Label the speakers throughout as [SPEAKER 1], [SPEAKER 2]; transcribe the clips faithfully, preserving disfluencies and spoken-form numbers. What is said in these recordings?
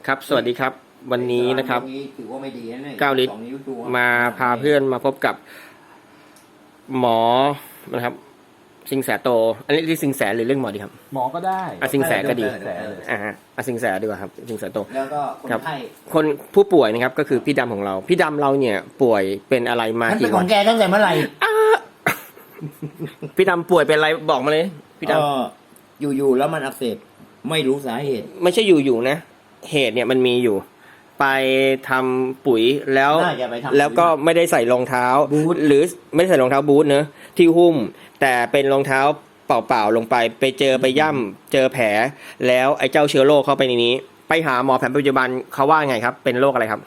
[SPEAKER 1] ครับสวัสดีครับวันนี้นะครับเก้าลิตรมาพาเพื่อนมาพบกับหมอนะครับสิงแสโตอันนี้ที่สิงแสหรือเรื่องหมอดีครับ
[SPEAKER 2] หมอก็ได้
[SPEAKER 1] อ่ะสิงแสก็ดีอ่าอ่ะสิงแสดีกว่าครับสิงแสโต
[SPEAKER 3] แล้วก็คนไข้
[SPEAKER 1] คนผู้ป่วยนะครับก็คือพี่ดำของเราพี่ดำเราเนี่ยป่วยเป็นอะไรมา
[SPEAKER 3] กี่วันเป็นของแกตั้งแต่เมื่อไหร่
[SPEAKER 1] พี่ดำป่วยเป็นอะไรบอกมาเลยพี่ด
[SPEAKER 3] ำอยู่ๆแล้วมันอักเสบไม่รู้สาเหตุ
[SPEAKER 1] ไม่ใช่อยู่ๆนะเหตุเนี่ยมันมีอยู่ไปทำปุ๋ยแล้วแล้วก็ไม่ได้ใส่รองเท้าหรือไม่ได้ใส่รองเท้าบูทเนอะที่หุ้มแต่เป็นรองเท้าเปล่าๆลงไปไปเจอไปย่ำเจอแผลแล้วไอ้เจ้าเชื้อโรคเข้าไปในนี้ไปหาหมอแผนปัจจุบันเขาว่าไงครับเป็นโรคอะไรครับ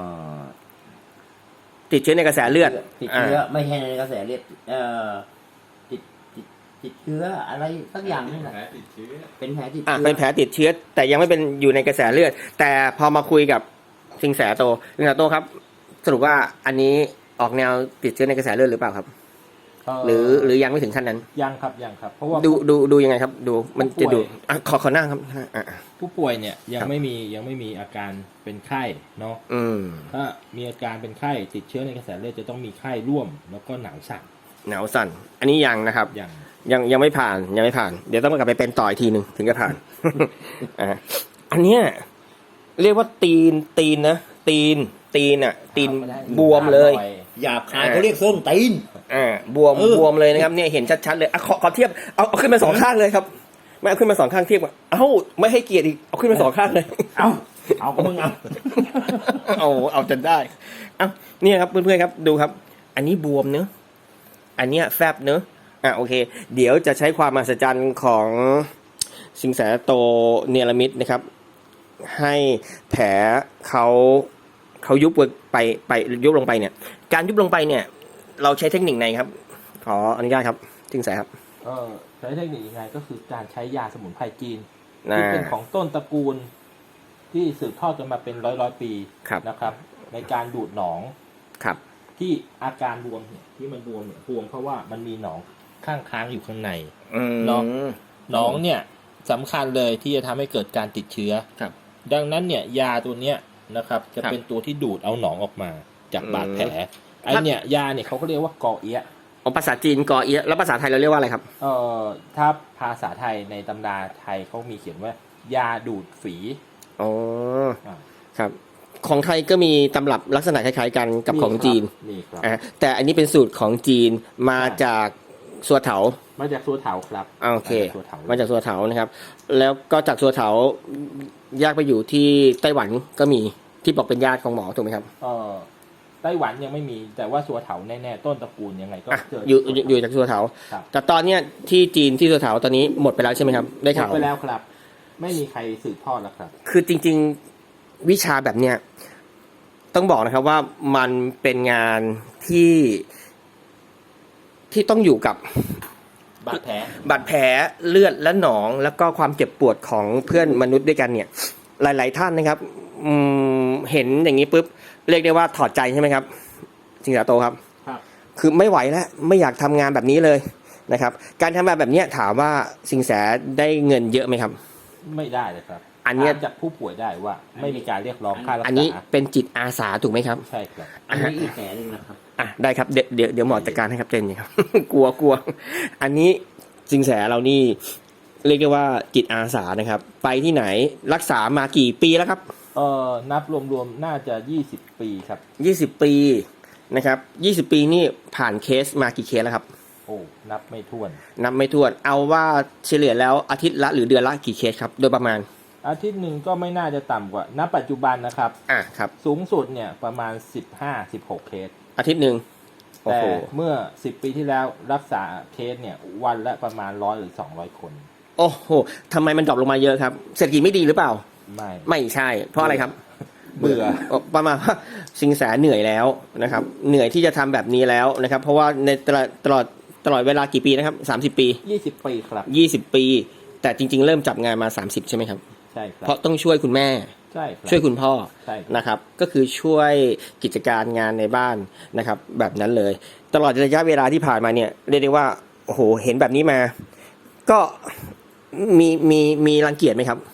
[SPEAKER 1] ติดเชื้อในกระแสเลือด
[SPEAKER 3] ติดเชื้อไม่ใช่ในกระแสเลือดเอ่อติดติดติดเชื้ออะไรสักอย่างนี่แหละเป็นแผลติดเชื้อ
[SPEAKER 1] เป็นแผลติดเชื้อแต่ยังไม่เป็นอยู่ในกระแสเลือดแต่พอมาคุยกับสิงแสโตสิงแสโตครับสรุปว่าอันนี้ออกแนวติดเชื้อในกระแสเลือดหรือเปล่าครับหรือหรือยังไม่ถึงขั้นนั้น
[SPEAKER 2] ยังครับยังครับเพราะว่า
[SPEAKER 1] ดูดูดูยังไงครับดูมันจะดูอ่ะขอขอนั่งครับ
[SPEAKER 2] ผู้ป่วยเนี่ยยังไม่มียังไม่มีอาการเป็นไข้เนาะถ้ามีอาการเป็นไข้ติดเชื้อในกระแสเลือดจะต้องมีไข้ร่วมแล้วก็หนาวสั่น
[SPEAKER 1] หนาวสั่นอันนี้ยังนะครับ
[SPEAKER 2] ยัง
[SPEAKER 1] ยังยังไม่ผ่านยังไม่ผ่านเดี๋ยวต้องกลับไปเป็นต่ออีกทีหนึ่งถึงจะผ่านอ่าอันเนี้ยเรียกว่าตีนตีนนะตีนตีนอ่ะตีนบวมเลย
[SPEAKER 3] หยาบคายเขาเรียกส้นตีน
[SPEAKER 1] อ่าบวมบวมเลยนะครับเนี่ยเห็นชัดๆเลยอ่ะขอขอเทียบเอาเอาขึ้นมาสองข้างเลยครับไม่เอาขึ้นมาสองข้างเทียบว่าเอ้าไม่ให้เกียรติอีกเอาขึ้นมาสองข้างเลย
[SPEAKER 3] เอาเอาก็มึงเอา
[SPEAKER 1] เอาเอาจนได้เอ้าเนี่ยครับเพื่อนๆครับดูครับอันนี้บวมเนอะอันเนี้ยแฟบเนอะอ่ะโอเคเดี๋ยวจะใช้ความมหัศจรรย์ของสิงแสโตเนรมิตนะครับให้แผลเขาเขายุบไปไปยุบลงไปเนี่ยการยุบลงไปเนี่ยเราใช้เทคนิคไหนครับขออนุญาตครับสิงแสครับ
[SPEAKER 2] เออใช้เทคนิคยังไงก็คือการใช้ยาสมุนไพรจีนที่เป็นของต้นตระกูลที่สืบทอดกันมาเป็นร้อยร้อยปีนะครับในการดูดหนอง
[SPEAKER 1] ครับ
[SPEAKER 2] ที่อาการบวมเนี่ยที่มันบวมเนี่ยบวมเพราะว่ามันมีหนองข้างค้างอยู่ข้างในเนาะหนองเนี่ยสำคัญเลยที่จะทำให้เกิดการติดเชื้อดังนั้นเนี่ยยาตัวเนี้ยนะครับจะเป็นตัวที่ดูดเอาหนองออกมาจากบาดแผลไอเนี่ยยาเนี่ยเขาก็เรียกว่ากอเอียะ
[SPEAKER 1] อ๋อภาษาจีนกอเอียะแล้วภาษาไทยเราเรียกว่าอะไรครับ
[SPEAKER 2] เอ่อถ้าภาษาไทยในตำราไทยเขามีเขียนว่ายาดูดฝี
[SPEAKER 1] อ๋อครับของไทยก็มีตำรับลักษณะคล้ายๆกันกับของจีนอ่าแต่อันนี้เป็นสูตรของจีนมาจากสัวเถา
[SPEAKER 2] มาจากสัวเถาครับ
[SPEAKER 1] โอเคมาจากสัวเถานะครับแล้วก็จากสัวเถาแยกไปอยู่ที่ไต้หวันก็มีที่บอกเป็นญาติของหมอถูกไหมครับ
[SPEAKER 2] เออไต้หวันยังไม่มีแต่ว่าสัวเถาแน่ๆต้นตระกูลยังไงก็
[SPEAKER 1] เจออยู่อยู่จากสัวเถาแต่ตอนเนี้ยที่จีนที่สัวเถาตอนนี้หมดไปแล้วใช่ไหมครับได้ข่าว
[SPEAKER 2] หมดไปแล้วครับไม่มีใครสืบทอดแล้วครับ
[SPEAKER 1] คือจริงๆวิชาแบบเนี้ยต้องบอกนะครับว่ามันเป็นงานที่ที่ต้องอยู่กับบ
[SPEAKER 2] าดแผล
[SPEAKER 1] บาดแผลเลือดและหนองแล้วก็ความเจ็บปวดของเพื่อนมนุษย์ด้วยกันเนี่ยหลายๆท่านนะครับเห็นอย่างนี้ปุ๊บเรียกได้ว่าถอดใจใช่ไหมครับสิงแสโตครับ
[SPEAKER 2] ครับ
[SPEAKER 1] คือไม่ไหวแล้วไม่อยากทำงานแบบนี้เลยนะครับการทำงานแบบนี้ถามว่าสิงแสได้เงินเยอะไหมครับ
[SPEAKER 2] ไม่ได้เลยครับ
[SPEAKER 1] อันนี้
[SPEAKER 2] จากผู้ป่วยได้ว่าไม่มีการเรียกร้องค่ารักษา
[SPEAKER 1] อันนี้เป็นจิตอาสาถูกไหมครับ
[SPEAKER 2] ใช่ครับ
[SPEAKER 3] อันนี้อีกแผลนึงนะครับ
[SPEAKER 1] อ่ะได้ครับเดี๋ยวเดี๋ยวเดี๋ยวหมอจัดการให้ครับเจนนี่ครับกลัวกลัวอันนี้สิงแสเรานี่เรียกได้ว่าจิตอาสานะครับไปที่ไหนรักษามากี่ปีแล้วครับ
[SPEAKER 2] เอ่อนับรวมๆน่าจะยี่สิบปีครับ
[SPEAKER 1] ยี่สิบปีนะครับยี่สิบปีนี่ผ่านเคสมากี่เคสแล้วครับ
[SPEAKER 2] โอ้นับไม่ถ้วน
[SPEAKER 1] นับไม่ถ้วนเอาว่าเฉลี่ยแล้วอาทิตย์ละหรือเดือนละกี่เคสครับโดยประมาณ
[SPEAKER 2] อาทิตย์หนึ่งก็ไม่น่าจะต่ำกว่าณปัจจุบันนะครับ
[SPEAKER 1] อ่ะครับ
[SPEAKER 2] สูงสุดเนี่ยประมาณสิบห้า สิบหกเคส
[SPEAKER 1] อาทิตย์หนึ่ง
[SPEAKER 2] แต่เมื่อสิบปีที่แล้วรักษาเคสเนี่ยวันละประมาณร้อยหรือสองร้อยคน
[SPEAKER 1] โอ้โหทำไมมันดรอปลงมาเยอะครับเศรษฐกิจไม่ดีหรือเปล่า
[SPEAKER 2] ไม่
[SPEAKER 1] ไม่ใช่เพราะอะไรครับ
[SPEAKER 2] เบื่อ
[SPEAKER 1] ประมาณว่าสิงแสเหนื่อยแล้วนะครับเหนื่อยที่จะทำแบบนี้แล้วนะครับเพราะว่าในตลอดตลอดตลอดเวลากี่ปีนะครับสามสิบปี
[SPEAKER 2] ยี่สิบปีครับ
[SPEAKER 1] ยี่สิบปีแต่จริงๆเริ่มจับงานมาสามสิบใช่ไหมครับ
[SPEAKER 2] ใช่ครับ
[SPEAKER 1] เพราะต้องช่วยคุณแม่
[SPEAKER 2] ใช่
[SPEAKER 1] ช่วยคุณพ่อ
[SPEAKER 2] ใช่
[SPEAKER 1] นะครับก็คือช่วยกิจการงานในบ้านนะครับแบบนั้นเลยตลอดระยะเวลาที่ผ่านมาเนี่ยเรียกได้ว่าโอ้โหเห็นแบบนี้มาก็มีมีมีรังเกียจไหมครับ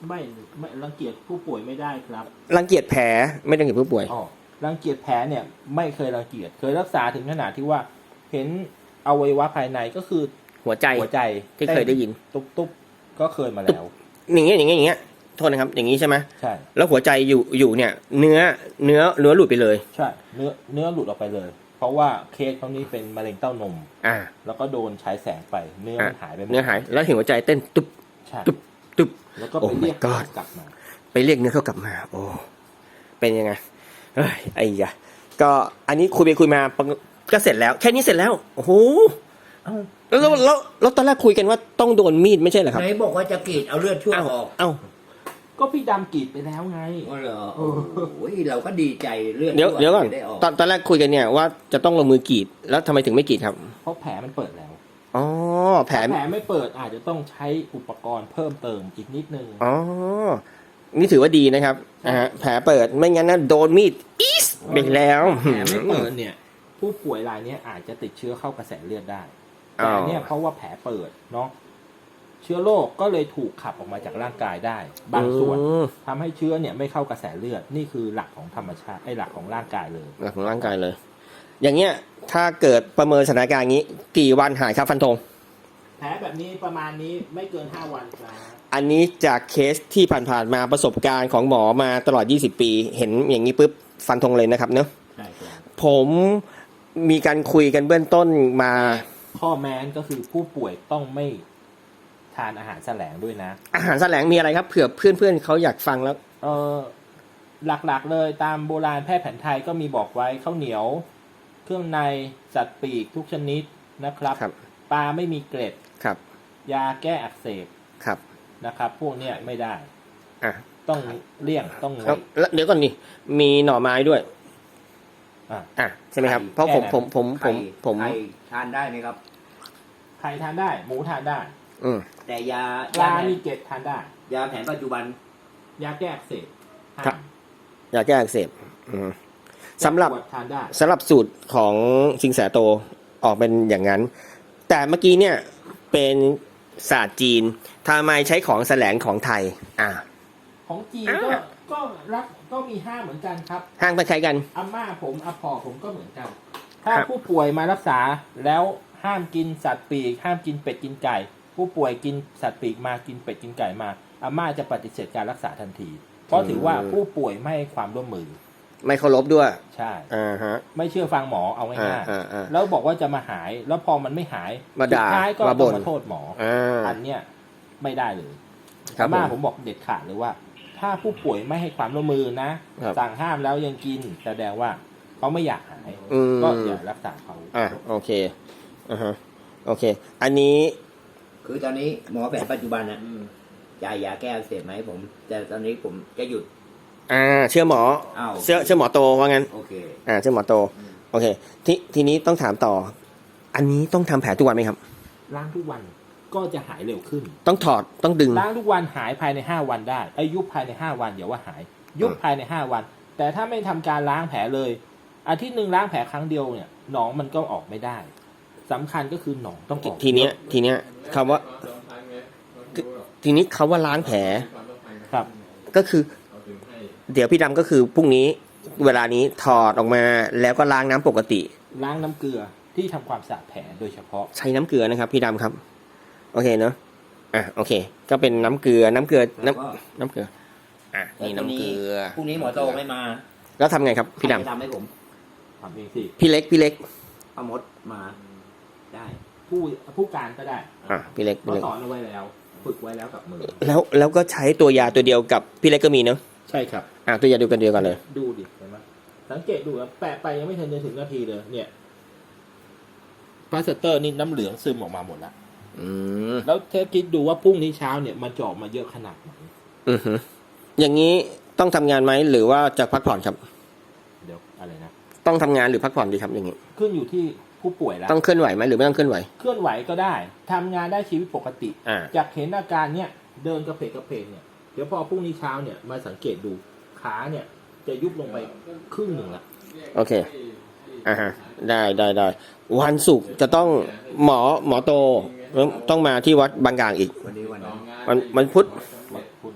[SPEAKER 2] ไม่ไม่รังเกียจผู้ป่วยไม่ได้ครับ
[SPEAKER 1] รังเกียจแผลไม่รังเกียจผู้ป่วย
[SPEAKER 2] อ๋อรังเกียจแผลเนี่ยไม่เคยรังเกียจเคยรักษาถึงขนาดที่ว่าเห็นอวัยวะภายในก็คือ
[SPEAKER 1] หัวใจ
[SPEAKER 2] หัวใจ
[SPEAKER 1] ที่เคยได้ยิน
[SPEAKER 2] ตุ๊บตุ๊บก็เคยมาแล้ว
[SPEAKER 1] อย่างเงี้ยอย่างเงี้ยอย่างเงี้ยโทษนะครับอย่างงี้ใช่ไหม
[SPEAKER 2] ใช่
[SPEAKER 1] แล้วหัวใจอยู่อยู่เนี่ย เนื้อเนื้อเนื้อหลุดไปเลย
[SPEAKER 2] ใช่เนื้อเนื้อหลุดออกไปเลย เพราะว่าเคสเขานี้เป็นมะเร็งเต้านม
[SPEAKER 1] อ่า
[SPEAKER 2] แล้วก็โดนฉายแสงไปเนื้อมันหายไปหมด
[SPEAKER 1] เนื้อหายแล้วเห็นหัวใจเต้นตุ๊บ
[SPEAKER 2] ใช่
[SPEAKER 1] ตุ๊บตุ๊บ
[SPEAKER 2] แล้วก็ไป
[SPEAKER 1] Oh my
[SPEAKER 2] เรียก
[SPEAKER 1] God
[SPEAKER 2] กลับมา
[SPEAKER 1] ไปเรียกเนื้อเขากลับมา โอ้เป็นยังไงเอ้ยไอ้ยะก็อันนี้คุยไปคุยมาก็เสร็จแล้ว แค่นี้เสร็จแล้วโอ้โห
[SPEAKER 3] เอ้า
[SPEAKER 1] แล้วแล้วแล้วแล้วตอนแรกคุยกันว่าต้องโดนมีดไม่ใช่เหรอครับ
[SPEAKER 3] ไหนบอกว่าจะกรีดเอาเลือดชั่ว
[SPEAKER 1] เอ้า
[SPEAKER 3] ออก
[SPEAKER 1] เอ้า
[SPEAKER 2] ก็พี่ดำกรีดไปแล้วไง
[SPEAKER 3] อ๋อเหรอโอ้โหเราก็ดีใจเลือด
[SPEAKER 1] เดี๋ยว
[SPEAKER 3] ชั่
[SPEAKER 1] เดี๋ยวก่อน
[SPEAKER 3] จะได้ออก
[SPEAKER 1] ตอนตอนแรกคุยกันเนี่ยว่าจะต้องลงมือกรีดแล้วทำไมถึงไม่กรีดครับ
[SPEAKER 2] เพราะแผลมันเปิดแล้ว
[SPEAKER 1] อ๋อแผล
[SPEAKER 2] แผลไม่เปิดอาจจะต้องใช้อุปกรณ์เพิ่มเติมอีกนิดนึง
[SPEAKER 1] อ๋อนี่ถือว่าดีนะครับอ่าฮะแผลเปิดไม่งั้นนะโดนมีดอีสไปแล้ว
[SPEAKER 2] แผลไม่เปิดเนี่ย ผู้ป่วยรายเนี้ยอาจจะติดเชื้อเข้ากระแสเลือดได้ แต่อันเนี่ยเพราะว่าแผลเปิดเนาะเชื้อโรคก็เลยถูกขับออกมาจากร่างกายได้ บางส่วน
[SPEAKER 1] อืม
[SPEAKER 2] ทำให้เชื้อเนี่ยไม่เข้ากระแสเลือดนี่คือหลักของธรรมชาติไอ้หลักของร่างกายเลย
[SPEAKER 1] หลักของร่างกายเลย อย่างเงี้ยถ้าเกิดประเมินสถานการณ์อย่างนี้ กี่วันหายครับฟันธง
[SPEAKER 2] แผลแบบนี้ประมาณนี้ไม่เกินห้าวันครับ
[SPEAKER 1] อันนี้จากเคสที่ผ่านๆมาประสบการณ์ของหมอมาตลอดยี่สิบปี เห็นอย่างนี้ปุ๊บฟันธงเลยนะครับเนอะ
[SPEAKER 3] ใช่ครับ
[SPEAKER 1] ผมมีการคุยกันเบื้องต้นมา
[SPEAKER 2] ข้อแม้นก็คือผู้ป่วยต้องไม่ทานอาหารแสลงด้วยนะ
[SPEAKER 1] อาหารแสลงมีอะไรครับเผื่อเพื่อนๆเขาอยากฟังแล้ว
[SPEAKER 2] เออหลักๆเลยตามโบราณแพทย์แผนไทยก็มีบอกไว้ข้าวเหนียว เครื่องในสัตว์ปีกทุกชนิดนะครับ
[SPEAKER 1] ครับ
[SPEAKER 2] ปลาไม่มีเกล็ด
[SPEAKER 1] ครับ
[SPEAKER 2] ยาแก้อักเสบ
[SPEAKER 1] ครับ
[SPEAKER 2] นะครับ พวกเนี้ยไม่ได้
[SPEAKER 1] อ่ะ
[SPEAKER 2] ต้องเลี่ยงต้องง
[SPEAKER 1] แล้ว
[SPEAKER 2] ด
[SPEAKER 1] แล้วเดี๋ยวก่อนนี่มีหน่อไม้ด้วย
[SPEAKER 2] อ่ะ
[SPEAKER 1] อ่ะใช่ไหมครับเพราะผมผมผมผมผม
[SPEAKER 3] ไข่ทานได้ไหมครับ
[SPEAKER 2] ไข่ทานได้ หมูทานได้
[SPEAKER 1] อืม
[SPEAKER 3] แต่ยา
[SPEAKER 2] ปลาย
[SPEAKER 3] าแผ
[SPEAKER 2] มี
[SPEAKER 3] น
[SPEAKER 2] เกล็ดทานได้
[SPEAKER 3] ยาแผนปัจจุบัน
[SPEAKER 2] ยาแก้อักเสบห้าม
[SPEAKER 1] ครับ ยาแก้อักเสบอืมสำหรับ
[SPEAKER 2] ยาปวดทานได้
[SPEAKER 1] สำหรับสูตรของสิงแสโตออกเป็นอย่างนั้น แต่เมื่อกี้เนี่ยเป็นศาสตร์จีนทำไมใช้ของแสลงของไทย อ่า
[SPEAKER 2] ของจีน
[SPEAKER 1] อ่า
[SPEAKER 2] ก็ก็รักก็มีห้ามเหมือนกันครับ
[SPEAKER 1] ห้างไปใช้กัน
[SPEAKER 2] อาม่าผมอาพ่อผมก็เหมือนกัน ถ้า
[SPEAKER 1] ครับ
[SPEAKER 2] ผู้ป่วยมารักษาแล้วห้ามกินสัตว์ปีก ห้ามกินเป็ดกินไก่ ผู้ป่วยกินสัตว์ปีกมากินเป็ดกินไก่มาอาม่าจะปฏิเสธการรักษาทันที เพราะถือว่าผู้ป่วยไม่ให้ความร่วมมือ
[SPEAKER 1] ไม่เคารพด้วย
[SPEAKER 2] ใช่
[SPEAKER 1] อ่าฮะ
[SPEAKER 2] ไม่เชื่อฟังหมอเอา
[SPEAKER 1] อ่า
[SPEAKER 2] ง่าย
[SPEAKER 1] อ่าอ่า
[SPEAKER 2] ๆแล้วบอกว่าจะมาหาย แล้วพอมันไม่หาย
[SPEAKER 1] มาด่า
[SPEAKER 2] สุดท้ายก็
[SPEAKER 1] มา
[SPEAKER 2] ต้
[SPEAKER 1] บ่
[SPEAKER 2] อง
[SPEAKER 1] น
[SPEAKER 2] มาโทษหมอ
[SPEAKER 1] อ่า
[SPEAKER 2] อันเนี้ยไม่ได้เลย
[SPEAKER 1] ครับ
[SPEAKER 2] อาม่า
[SPEAKER 1] ผ
[SPEAKER 2] ผม มบอกเด็ดขาดเลยว่า ถ้าผู้ป่วยไม่ให้ความร่วมมือนะ
[SPEAKER 1] ครับ
[SPEAKER 2] สั่งห้ามแล้วยังกินแสดงว่าเขาไม่อยากหาย
[SPEAKER 1] อืม
[SPEAKER 2] ก็อย่ารักษาเขา
[SPEAKER 1] อ่าโอเคอ่าฮะโอเค อันนี้
[SPEAKER 3] คือตอนนี้หมอแผนปัจจุบันนะจ่ายยาแก้อักเสบไหมาให้ผม แต่ตอนนี้ผมจะหยุด
[SPEAKER 1] อ่าเชื่อหมอ
[SPEAKER 3] อ้าว
[SPEAKER 1] เชื่อเชื่อหมอโตว่างั้น
[SPEAKER 3] โอเค
[SPEAKER 1] อ่าเชื่อหมอโต โอเค ทีทีนี้ต้องถามต่อ อันนี้ต้องทำแผลทุกวันไหมครับ
[SPEAKER 2] ล้างทุกวันก็จะหายเร็วขึ้น
[SPEAKER 1] ต้องถอดต้องดึง
[SPEAKER 2] ล้างทุกวันหายภายในห้าวันได้อายุภายในห้าวันอย่าว่าหาย ยุบ
[SPEAKER 1] อืม
[SPEAKER 2] ภายในห้าวัน แต่ถ้าไม่ทำการล้างแผลเลย อาทิตย์หนึ่งล้างแผลครั้งเดียวเนี่ยหนองมันก็ออกไม่ได้สำคัญก็คือหนองต้องออก
[SPEAKER 1] ทีเนี้ยทีเนี้ยคำว่า ทีนี้คำว่าล้างแผล
[SPEAKER 2] ครับ
[SPEAKER 1] ก็คือ เดี๋ยวพี่ดำก็คือพรุ่งนี้เวลานี้ถอดออกมาแล้วก็ล้างน้ำปกติ
[SPEAKER 2] ล้างน้ำเกลือที่ทำความสะอาดแผลโดยเฉพาะ
[SPEAKER 1] ใช้น้ำเกลือนะครับ พี่ดำครับ โอเคเนอะอ่ะโอเค ก็เป็นน้ำเกลือน้ำเกลือ
[SPEAKER 3] แล้วก็
[SPEAKER 1] น้ำน้ำเกลืออ่ะนี่น้ำเกลือ
[SPEAKER 3] พรุ่งนี้หมอโตไม่มา
[SPEAKER 1] แล้วทำไงครับพี่ด
[SPEAKER 3] ใครจะทำให้ผม
[SPEAKER 2] ทำเองสิ
[SPEAKER 1] ำพี่เล็กพี่เล็ก
[SPEAKER 3] เอามดมา ได้
[SPEAKER 2] ผู้ผู้การก็ได้
[SPEAKER 1] อ่ะพี่เล็ก
[SPEAKER 2] ก็
[SPEAKER 1] พี่เล็ก
[SPEAKER 2] สอนเอาไว้แล้ว ฝึกไว้แล้วกับมือ
[SPEAKER 1] แล้วแล้วก็ใช้ตัวยาตัวเดียวกับพี่เล็กก็มีเนอะ
[SPEAKER 2] ใช่ครับ
[SPEAKER 1] อ่ะตัวยาเดียวกันเดียวกันเลย
[SPEAKER 2] ดูดิเห็นไหมสังเกตดูนะแปะไปยังไม่ทันจะถึงนาทีเลย เนี่ยพลาสเตอร์นี่น้ำเหลืองซึมออกมาหมดแล้ว
[SPEAKER 1] อืม
[SPEAKER 2] แล้วเทปคิดดูว่าพรุ่งนี้เช้าเนี่ยมันจะออกมาเยอะขนาดไหน
[SPEAKER 1] อือฮึอย่างนี้ต้องทำงานไหมหรือว่าจะพักผ่อนครับ
[SPEAKER 2] เดี๋ยวอะไรนะ
[SPEAKER 1] ต้องทำงานหรือพักผ่อนดีครับอย่างนี้
[SPEAKER 2] ขึ้นอยู่ที่ผู้ป่วยแล้ว
[SPEAKER 1] ต้องเคลื่อนไหวไหมหรือไม่ต้องเคลื่อนไหว
[SPEAKER 2] เคลื่อนไหวก็ได้ทำงานได้ชีวิตปกติ
[SPEAKER 1] อ่า
[SPEAKER 2] จากเห็นอาการเนี่ยเดินกระเพกกระเพกเนี่ยเดี๋ยวพอพรุ่งนี้เช้าเนี่ยมาสังเกตดูขาเนี่ยจะยุบลงไปครึ่งหนึ่งละ
[SPEAKER 1] โอเคอ่าฮะได้ได้ได้วันศุกร์จะต้องหมอหมอโตต้องมาที่วัดบางกลางอีก
[SPEAKER 3] วันนี้วันนั้น
[SPEAKER 1] วันวันพุธ
[SPEAKER 2] พูดอะ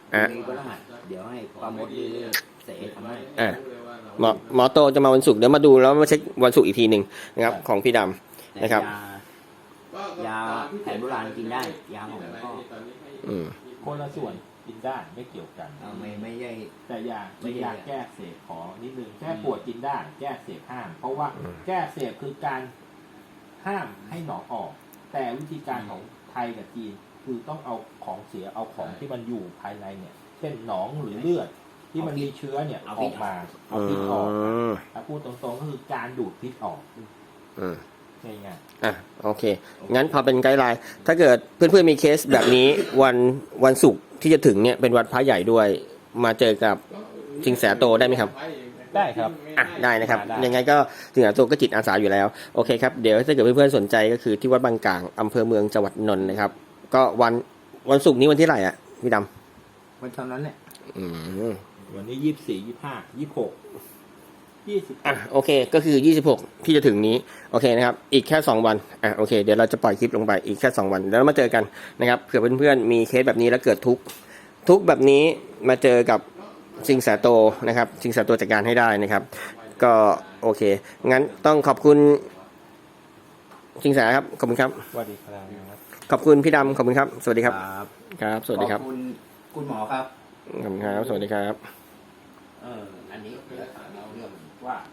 [SPEAKER 1] อ่ะ
[SPEAKER 3] มีพฤหัสเดี๋ยวให้ปราโมดหรือเสทำให้
[SPEAKER 1] อ่ะหมอหมอโตจะมาวันศุกร์เดี๋ยวมาดูแล้วมาเช็ควันศุกร์อีกทีหนึ่งนะครับ ของพี่ดำ
[SPEAKER 3] แต่
[SPEAKER 1] นะครับ
[SPEAKER 3] ยายาแผนโบราณกินได้ยาของก็
[SPEAKER 1] อืม
[SPEAKER 2] คนละส่วนกินได้ไม่เกี่ยวกัน
[SPEAKER 3] เอ่อไม่ไม่ใช่
[SPEAKER 2] แต่ยา
[SPEAKER 3] ไม่
[SPEAKER 2] ไม่
[SPEAKER 3] ใช่
[SPEAKER 2] ยาแก้อักเสพขอนิดนึงแก้ปวดกินได้ แก้อักเสพห้าม เพราะว่าแก้อักเสพคือการห้ามให้หนองออก แต่วิธีการของไทยกับจีนคือต้องเอาของเสียเอาของที่มันอยู่ภายในเนี่ย เช่นหนองหรือเลือดที่มันมีเชื้อเนี่ยออกมาเอา
[SPEAKER 1] อื
[SPEAKER 2] พิษออก
[SPEAKER 1] ม
[SPEAKER 2] ถ้าพูดตรงๆก็คือการดูดพิษออก
[SPEAKER 1] อืม
[SPEAKER 2] ง่าย
[SPEAKER 1] อ่ะโอเค งั้นพอเป็นไกด์ไลน์ถ้าเกิดเพื่อนๆมีเคสแบบนี้ วันวันศุกร์ที่จะถึงเนี่ยเป็นวันพระใหญ่ด้วย มาเจอกับสิงแสโตได้ไหมครับ
[SPEAKER 2] ๆได้ครับ
[SPEAKER 1] อ่ะได้นะครับ
[SPEAKER 2] ได้
[SPEAKER 1] ยังไงก็สิงแสโตก็จิตอาสาอยู่แล้วโอเคครับเดี๋ยวถ้าเกิดเพื่อนๆสนใจก็คือที่วัดบางกลางอำเภอเมืองจังหวัดนนท์นะครับ ก็วันวันศุกร์นี้วันที่เท่าไหร่อ่ะพี่ด
[SPEAKER 3] วันเท่านั้นเนี่ย
[SPEAKER 1] ำอืม
[SPEAKER 2] วันนี้ยี่สิบสี่ยี่ห้ายี่หกยี่สิบ
[SPEAKER 1] อ่ะโอเคก็คือยี่สิบหกที่จะถึงนี้โอเคนะครับอีกแค่สองวันอ่ะโอเคเดี๋ยวเราจะปล่อยคลิปลงไปอีกแค่สองวันแล้วมาเจอกันนะครับเผื่อเพื่อนๆมีเคสแบบนี้แล้วเกิดทุกข์ทุกข์แบบนี้มาเจอกับสิงแสโตนะครับสิงแสโตจัดการให้ได้นะครับ ก็โอเคงั้นต้องขอบคุณสิงแสครับขอบคุณครับ
[SPEAKER 2] สวัสดีครับ
[SPEAKER 1] ขอบคุณพี่ดำขอบคุณครับ สวัสดีครับ
[SPEAKER 3] ครับ
[SPEAKER 1] ครับ สวัสดีครับ
[SPEAKER 3] ขอบคุณคุณหมอครับ
[SPEAKER 1] ขอบคุณครับ สวัสดีครับ
[SPEAKER 3] เอออันนี้เดี๋ยวถามเราเรื่องว่า